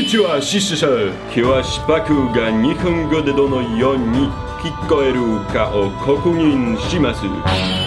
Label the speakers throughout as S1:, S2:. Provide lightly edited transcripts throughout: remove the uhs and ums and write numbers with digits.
S1: ちはシシシャ今日はシパクが日本語でどのように聞こえるかを確認します。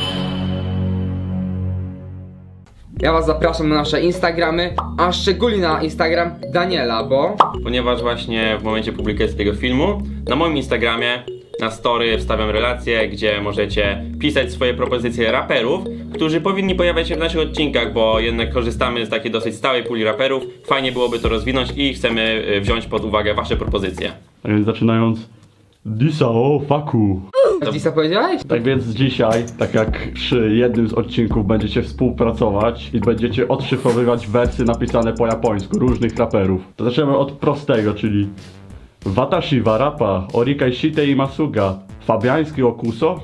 S2: Ja was zapraszam na nasze Instagramy, a szczególnie na Instagram Daniela, bo...
S3: Ponieważ właśnie w momencie publikacji tego filmu na moim Instagramie na story wstawiam relacje, gdzie możecie pisać swoje propozycje raperów, którzy powinni pojawiać się w naszych odcinkach, bo jednak korzystamy z takiej dosyć stałej puli raperów. Fajnie byłoby to rozwinąć i chcemy wziąć pod uwagę wasze propozycje.
S4: Tak więc zaczynając, Disa o faku.
S2: Co powiedziałeś?
S4: Tak więc dzisiaj, tak jak przy jednym z odcinków będziecie współpracować i będziecie odszyfrowywać wersy napisane po japońsku różnych raperów. To zaczniemy od prostego, czyli Watashi wa rapa, orikai shite imasuga, fabiański okuso?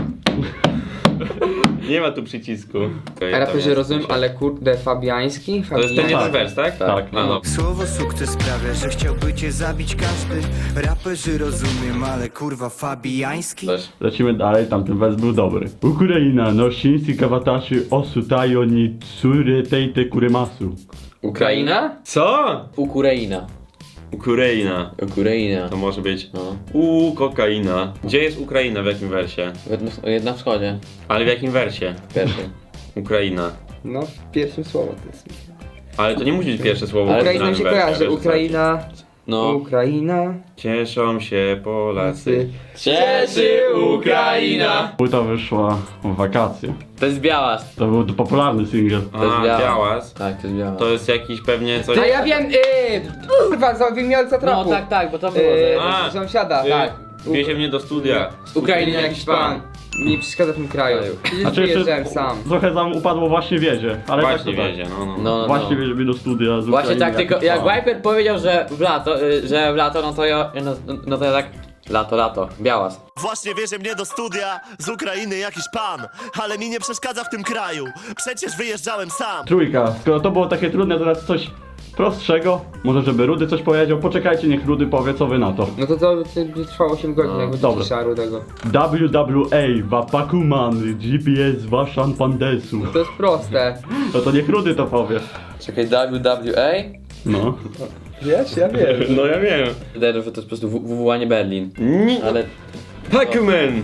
S3: Nie ma tu przycisku.
S2: A raperzy rozumiem, ale kurde, fabiański?
S3: To jest ten jeden
S4: Tak.
S3: wers, tak?
S4: Tak.
S3: A, no.
S5: Słowo sukces sprawia, że chciałby cię zabić każdy. Raperzy rozumiem, ale kurwa fabiański.
S3: Też.
S4: Lecimy dalej, tamten wers był dobry. Ukraina no shinsi ka watashi osutayo ni tsureteite kuremasu.
S2: Ukraina?
S3: Co?
S6: Ukraina.
S3: Ukraina.
S6: Ukraina.
S3: To może być
S6: No.
S3: kokaina. Gdzie jest Ukraina, w jakim wersie?
S6: Na wschodzie.
S3: Ale w jakim wersie?
S6: Pierwszy.
S3: Ukraina.
S2: No, w pierwszym słowo to jest.
S3: Ale to nie musi być pierwsze słowo.
S6: Ale
S3: w
S2: Ukraina mi się
S3: danym wersie,
S2: kojarzy,
S3: wiesz,
S2: Ukraina,
S6: No.
S2: Ukraina.
S3: Cieszą się Polacy.
S6: Cieszy Ukraina!
S4: Płyta wyszła w wakacje.
S6: To jest Białas.
S4: To był popularny singiel.
S6: To jest
S3: A,
S6: Białas.
S3: Białas.
S6: Tak, to jest Białas.
S3: To jest jakiś pewnie coś...
S2: A ja wiem, kurwa, za wymiarca
S6: No
S2: trapu.
S6: tak, bo to było.
S3: A.
S2: Sąsiada, tak.
S3: Wiezie mnie do studia.
S6: Z Ukrainy
S2: jakiś pan. Mi przeszkadza w tym kraju. Kiedyś
S4: Znaczy
S2: wyjeżdżałem
S4: jeszcze
S2: sam.
S4: trochę tam upadło właśnie wiedzie, ale
S3: Właśnie
S4: tak to tak.
S3: wiedzie, no.
S6: No.
S4: Właśnie wiedzie mnie do studia z
S6: Właśnie
S4: Ukrainy
S6: tak, tylko
S4: jakiś
S6: jak
S4: pan.
S6: Viper powiedział, że w lato, no to ja tak... Lato, Białas.
S7: Właśnie wiezie mnie do studia z Ukrainy jakiś pan, ale mi nie przeszkadza w tym kraju, przecież wyjeżdżałem sam.
S4: Trójka, skoro to było takie trudne, teraz coś prostszego. Może żeby Rudy coś powiedział, poczekajcie, niech Rudy powie, co wy na to.
S2: No to by trwało 8 godzin, jakby
S4: dobra.
S2: cisza Rudego.
S4: WWA, Wapakuman, GPS, Washan Pandesu.
S2: To jest proste.
S4: No to niech Rudy to powie.
S6: Czekaj, WWA?
S4: No.
S2: Wiesz, ja wiem.
S3: No ja wiem.
S6: Wydaje się, że to jest po prostu WWA, nie Berlin. Ale...
S3: Pac-Man!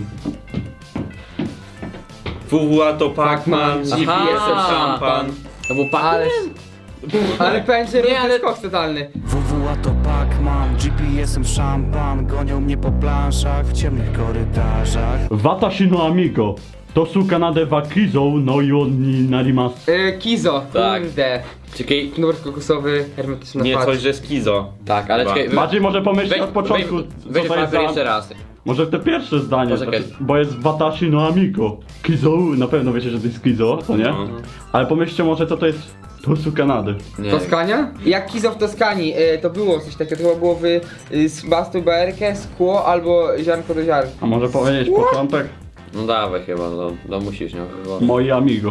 S3: WWA to Pac-Man,
S2: Pac-Man,
S3: GPS to
S6: Aha.
S3: szampan.
S6: To był
S2: Ale... Ale powiem, że
S6: Nie,
S2: Rudy
S6: ale-
S2: jest koks totalny.
S5: WWA to Pac-Man, GPS-em szampan. Gonią mnie po planszach w ciemnych korytarzach.
S4: Watashi no amigo, to su Kanadę wa kizo no yoni narimasu.
S2: Kizo,
S6: Tak.
S2: kurde.
S6: Czekaj,
S2: Knur kokosowy, hermetyczna
S3: Nie,
S2: patrz.
S3: coś, że skizo.
S6: tak, ale
S3: Chyba.
S6: czekaj...
S4: Maciej może pomyśleć od początku,
S6: Weź
S4: co to jest
S6: jeszcze
S4: za...
S6: raz.
S4: Może te pierwsze zdanie,
S6: Poczekaj.
S4: znaczy, bo jest Watashi no amigo. Kizo, na pewno wiecie, że to jest kizo, to nie?
S3: No.
S4: Ale pomyślcie może, co to jest to su Kanady.
S6: Nie.
S2: Toskania? Jak Kizo w Toskanii, to było coś takiego, to chyba było z bastu BRK, szkło albo ziarnko do ziarnka.
S4: A może powiedzieć początek?
S6: No dawaj chyba, no musisz, nie? Chyba.
S4: Moi amigo.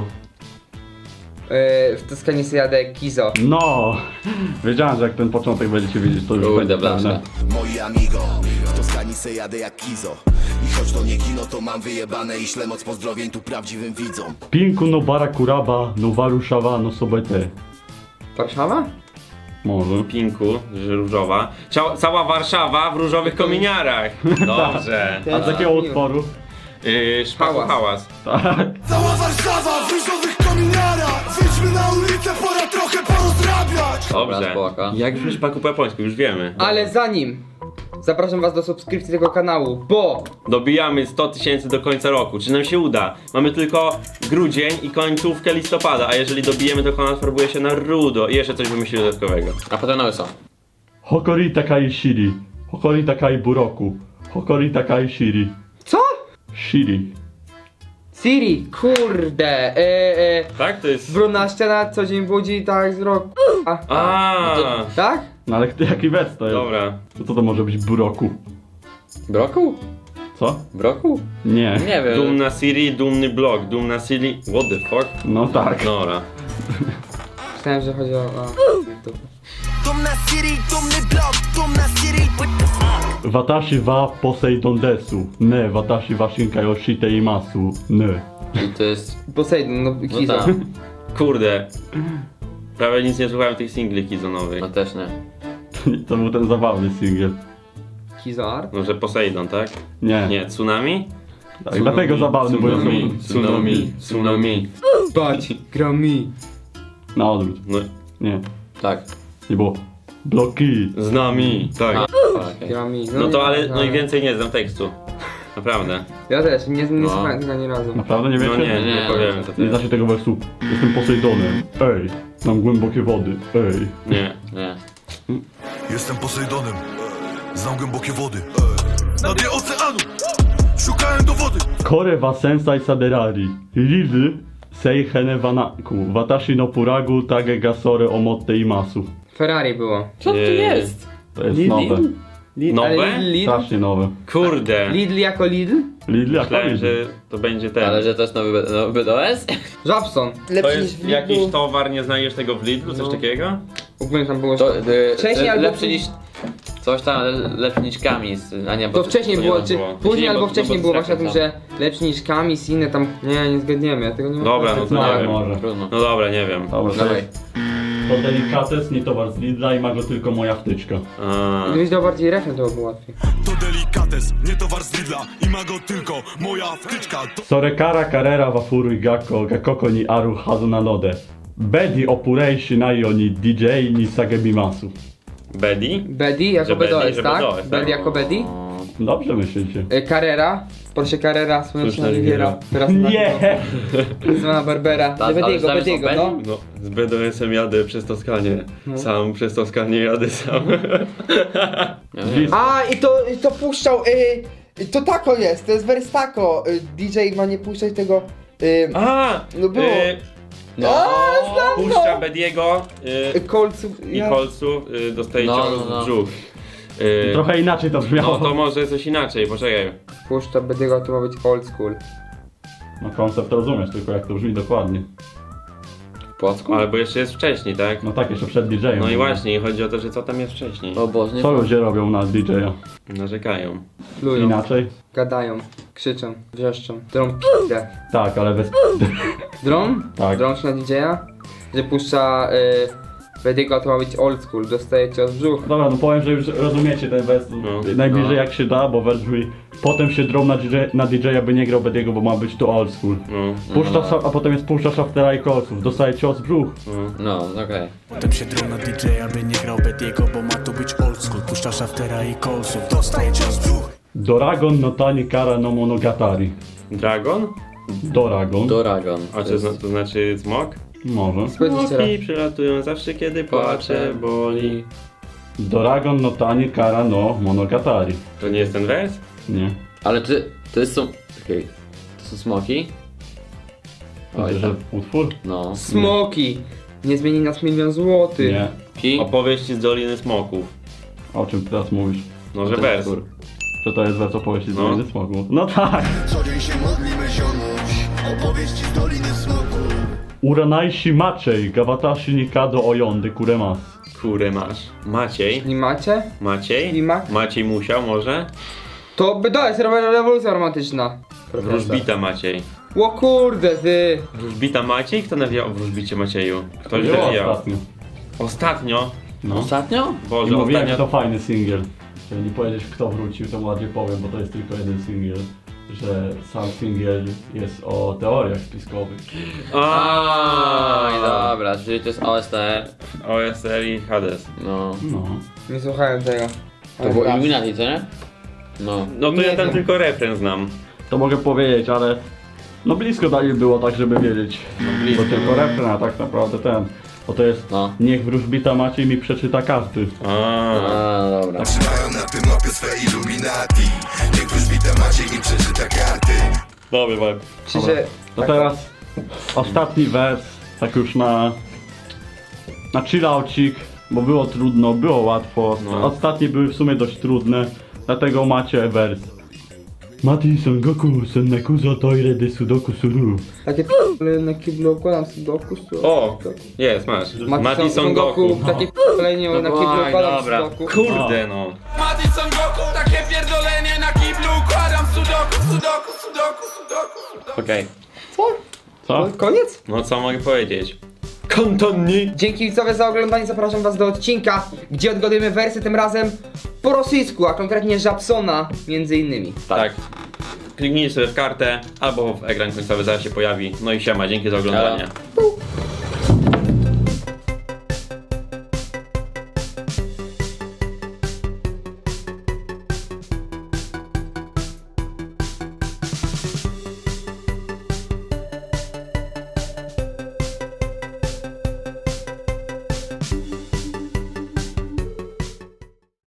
S2: W Toskanii sobie jadę Kizo.
S4: No, wiedziałem, że jak ten początek będziecie wiedzieć, to już
S6: Kurde,
S4: będzie
S6: blaszka.
S4: pewne.
S7: Moi amigo, w Toskanii se jadę jak Kizo. I choć to nie kino, to mam wyjebane i ślę moc pozdrowień tu prawdziwym widzom.
S4: Pinku no barakuraba, no waruszawa, no sobete.
S2: Warszawa?
S4: Może.
S3: Pinku, że różowa. Cała Warszawa w różowych kominiarach. Dobrze.
S4: A z jakiego utworu?
S3: Szpaku hałas.
S4: Tak.
S7: Cała Warszawa w różowych kominiarach. Wyjdźmy na ulicę, pora trochę porozrabiać.
S3: Dobrze.
S6: spoko.
S3: Jak brzmi szpaku po japońsku, już wiemy.
S2: Ale zanim zapraszam was do subskrypcji tego kanału, bo
S3: Dobijamy 100 000 do końca roku. Czy nam się uda? Mamy tylko grudzień i końcówkę listopada, a jeżeli dobijemy, to kanał farbuje się na rudo i jeszcze coś wymyśli dodatkowego.
S6: A potem na łyso.
S4: Hokori takai shiri. Hokori takai buroku. Hokori takai shiri.
S2: co?
S4: Shiri.
S2: Siri, kurde,
S3: Tak? To jest...
S2: brudna ściana co dzień budzi tak z roku.
S3: A,
S2: Tak?
S4: No ale jaki wers to jest?
S3: dobra.
S4: To co to może być buroku?
S6: Broku?
S4: Co?
S6: Broku?
S4: Nie.
S6: Nie wiem.
S3: Dumna Siri, dumny blog, dumna Siri... What the fuck?
S4: No tak.
S3: Dobra.
S2: Myślałem, że chodzi o...
S7: Dumna City, dumny blog, dumna City.
S4: Watashi wa Poseidon desu. Ne, watashi wa shinkai o shite imasu. Ne.
S6: I to jest...
S2: Poseidon, no
S6: No
S2: Kizo.
S6: tak.
S3: Kurde. Prawie nic nie słuchałem tych singli kizonowych.
S6: No też nie.
S4: To był ten zabawny singiel.
S2: Kizo Art?
S3: Może Poseidon, tak?
S4: Nie.
S3: Nie, Tsunami?
S4: Tak, dlatego zabawny, bo
S3: Tsunami.
S2: Bać, grami.
S4: na odwrót.
S3: No,
S4: Nie,
S6: Tak.
S4: nie było. Bloki.
S3: z nami, tak.
S6: Okej.
S2: Grami.
S3: No to ale, no i
S2: nie.
S3: więcej nie znam tekstu. Naprawdę.
S2: Ja też, nie
S3: No.
S2: słuchałem tego ani razu.
S4: Naprawdę nie wiecie?
S3: No nie
S6: Nie.
S3: powiem co to
S4: Nie
S3: jest.
S4: znacie tego wersu. Jestem Posejdonem. Ej, znam głębokie wody. Ej.
S3: Nie.
S6: Nie.
S8: Jestem Posejdonem, znam głębokie wody. Na dnie oceanu szukałem dowody.
S4: Kore wa sensai saderari. Rizy sei hene wanaku. Watashi no puragu tage ga sore omotte imasu.
S2: Ferrari było.
S6: Co to jest?
S4: To jest nowe.
S3: Nowe?
S2: Ale Lidl?
S4: Strasznie nowe.
S3: Kurde.
S2: Lidl jako Lidl?
S4: Lidl jak
S3: Myślałem,
S4: Lidl.
S3: że to będzie ten.
S6: Ale że to jest nowy BDS?
S2: Żabson.
S3: To
S2: Lepszy niż
S3: jest
S2: w Lidlu.
S3: jakiś towar, nie znajdziesz tego w Lidlu, coś
S2: No.
S3: takiego?
S2: Ogólnie tam było...
S6: To
S2: Wcześniej albo
S6: lepszy
S2: później.
S6: niż... Coś tam, ale lepszy niż Kamis. A nie, bo
S2: To wcześniej
S3: to nie
S2: było,
S3: tak
S2: czy
S3: było.
S2: później
S3: Nie,
S2: albo
S3: bo-
S2: wcześniej
S3: bo
S2: było
S3: to
S2: właśnie o tym,
S3: tak
S2: że lepszy niż Kamis i inne tam... Nie zgadniemy, ja tego nie mam.
S3: Dobra, no to
S4: No,
S3: nie wiem.
S4: może.
S6: Trudno.
S3: No dobra, nie wiem.
S4: Dobra, to
S6: Dawaj.
S4: jest. To delikates, nie towar z Lidla i ma go tylko moja wtyczka.
S3: A,
S2: Gdybyś dał bardziej refren, to by było łatwiej.
S8: To delikates, nie towar z Lidla i ma go tylko moja wtyczka. To
S4: Sorekara karera wafuru i gakoko ni aru hazu na node. Bedi opureishi naio ni DJ ni sagemimasu.
S3: Bedi?
S2: Bedi jako
S3: Że Bedi,
S2: BDOS,
S3: że
S2: tak?
S3: BDOS, tak?
S2: Bedi jako Bedi.
S4: Dobrze myślicie.
S2: Carrera. Porsche Carrera, Słoneczna
S3: Słoneczna
S2: Riviera.
S3: Riviera.
S2: Teraz
S4: Nie!
S2: Zwana Barbera.
S6: Tak, ale
S2: Bediego,
S6: zamiast
S2: Bediego,
S6: o
S2: no.
S6: Bedi?
S3: No, z BDS-em jadę przez Toskanię. Sam przez Toskanię jadę sam.
S2: A, i to puszczał, to tako jest, to jest wers tako. DJ ma nie puszczać tego,
S3: A!
S2: No było.
S6: No.
S3: Puszcza Bediego
S2: kolców.
S3: i kolców, dostaje
S6: No,
S3: cios
S6: no, no.
S3: w brzuch.
S4: Trochę inaczej to brzmiało.
S3: No to może coś inaczej, poczekaj.
S2: Puszcza Bediego, to ma być old school.
S4: No koncept rozumiesz, tylko jak to brzmi dokładnie.
S6: W Płocku?
S3: Albo jeszcze jest wcześniej, tak?
S4: No tak, jeszcze przed DJ-em.
S3: No i właśnie, chodzi o to, że co tam jest wcześniej.
S6: O Boże, nie
S4: Co ludzie robią na DJ-a?
S3: Narzekają.
S2: Plują,
S4: Inaczej?
S2: gadają, krzyczą, wrzeszczą. Drą p***ę.
S4: Tak, ale bez...
S2: Drą?
S4: Tak.
S2: Drą się na DJ-a? Że puszcza Bediego, to ma być old school, dostaje cios w brzuch.
S4: Dobra, no powiem, że już rozumiecie ten wers najbliżej
S6: No.
S4: jak się da, bo wers brzmi potem się drą na DJ-a, by nie grał Bediego, bo ma być to old school.
S3: No.
S4: A potem jest puszcza Shaftera i kolców, dostaje cios w brzuch.
S6: No, okej.
S5: Potem się drą na DJ, aby nie grał Bediego, bo ma tu być old school. Puszcza Shaftera i Colesów, dostaje cios w brzuch.
S4: Doragon no tani kara no monogatari.
S3: Dragon?
S4: Doragon.
S6: Doragon.
S3: A czy to znaczy smok?
S4: Może.
S2: Powiedz jeszcze raz.
S3: Smoki przylatują zawsze kiedy płaczę, boli.
S4: Doragon no tani kara no monogatari.
S3: To nie jest ten wers?
S4: Nie.
S6: Ale to są... Okej. To są smoki? Oj,
S4: Myślę, że utwór?
S6: No.
S2: Smoki! Nie zmieni nas 1 000 000 złotych.
S4: Nie.
S6: Ki?
S3: Opowieści z Doliny Smoków.
S4: O czym teraz mówisz?
S3: No, że wers.
S4: Że to jest wers opowieści z
S3: No.
S4: Doliny Smogu. No tak!
S7: Co dzień się modlimy ziomuś, opowieści z Doliny Smoku.
S4: Uranaishi Maciej, Gawatashi Nikado Oyondy Kuremas.
S3: Kurę masz. Maciej?
S2: Nie macie?
S3: Maciej?
S2: Nie ma?
S3: Maciej musiał może?
S2: To BDOS, rewolucja romantyczna.
S3: Wróżbita Maciej.
S2: O kurde ty!
S3: Wróżbita Maciej? Kto nawijał o wróżbicie Macieju? Ktoś
S4: Było
S3: nawijał.
S4: ostatnio.
S3: Ostatnio?
S4: No.
S6: Ostatnio?
S4: I
S3: Boże,
S4: mówiłem, że
S3: ostatnio...
S4: to fajny singiel. Jeżeli nie powiedzieć kto wrócił, to bardziej powiem, bo to jest tylko jeden singiel. Że sam singiel jest o teoriach spiskowych.
S6: Oj, dobra, czyli to jest OSTR.
S3: OSR i Hades.
S6: No.
S4: No.
S2: Nie słuchałem tego.
S6: To było Illuminati, co nie? No.
S3: No to
S2: Nie
S3: ja tam
S2: wiem.
S3: tylko refren znam.
S4: To mogę powiedzieć, ale no blisko dalej było tak, żeby wiedzieć.
S3: blisko.
S4: Bo tylko refren, a tak naprawdę ten. Bo to jest
S6: No.
S4: niech wróżbita Maciej mi przeczyta karty.
S6: A, dobra.
S7: Trzymają na tym mapie swe Illuminati. Niech wróżbita Maciej mi przeczyta karty.
S3: Dobry vibe.
S2: Czy że...
S4: To teraz ostatni wers, tak już na chillaucik, bo było trudno, było łatwo.
S3: No.
S4: Ostatnie były w sumie dość trudne, dlatego macie wers. Mati Son Goku, Senneku za toire de Sudoku Suru.
S2: Takie na kiblu układam sudoku.
S3: O! Jest, masz. Mati Son Goku.
S2: Takie kolejnie na kiblu
S3: Oj,
S2: układam
S3: dobra.
S2: sudoku.
S3: Kurde no.
S9: Mati Son Goku, takie pierdolenie na kiblu, układam sudoku.
S3: Okej.
S4: Co?
S2: Koniec?
S3: No co mogę powiedzieć?
S1: Kantonni.
S2: Dzięki widzowie za oglądanie, zapraszam was do odcinka, gdzie odgadujemy wersy tym razem po rosyjsku, a konkretnie Żabsona między innymi.
S3: Tak. Kliknijcie sobie w kartę, albo w ekran końcowy zaraz się pojawi. No i siema, dzięki za oglądanie.